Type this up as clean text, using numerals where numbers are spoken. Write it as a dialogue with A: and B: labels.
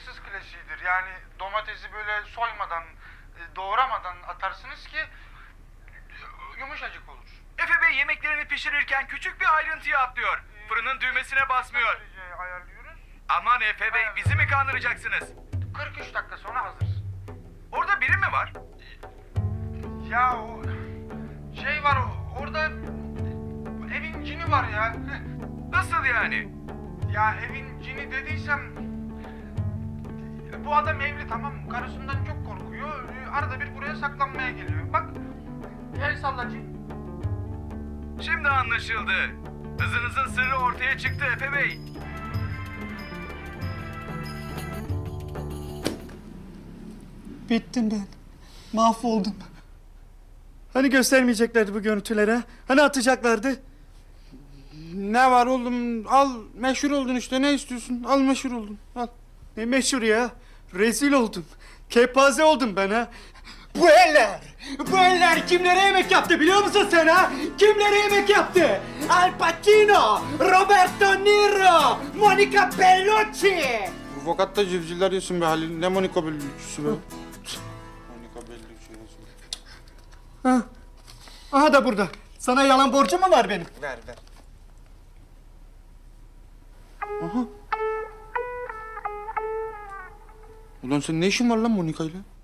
A: Fransız klasiğidir. Yani domatesi böyle soymadan, doğramadan atarsınız ki yumuşacık olur.
B: Efe Bey yemeklerini pişirirken küçük bir ayrıntıyı atlıyor. Fırının düğmesine basmıyor.
A: Dereceyi ayarlıyoruz.
B: Aman Efe Bey, bizi mi kandıracaksınız?
A: 43 dakika sonra hazır.
B: Orada biri mi var?
A: Ya o şey var orada evin cini var ya.
B: Nasıl yani?
A: Ya evin cini dediysem bu adam evli, tamam mı? Karısından çok korkuyor. Arada bir buraya saklanmaya geliyor. Bak el salla cin.
B: Şimdi anlaşıldı. Hızınızın sırrı ortaya çıktı Efe Bey.
C: Bittim ben. Mahvoldum. Hani göstermeyeceklerdi bu görüntüleri ha? Hani atacaklardı?
D: Ne var oğlum? Al, meşhur oldun işte. Ne istiyorsun? Al, meşhur oldun. Al.
C: Ne meşhur ya? Rezil oldum. Kepaze oldum ben ha. Bu eller kimlere yemek yaptı biliyor musun sen ha? Kimlere yemek yaptı? Al Pacino, Roberto Niro, Monica Bellucci.
D: Bu fakat da civcivler yesin be Halil. Ne Monika Bellucci'si be. Monika Bellucci.
C: Ha. Aha da burada. Sana yalan borcum mu var benim?
D: Ver. Aha. Ulan sen ne işin var lan Monika'yla?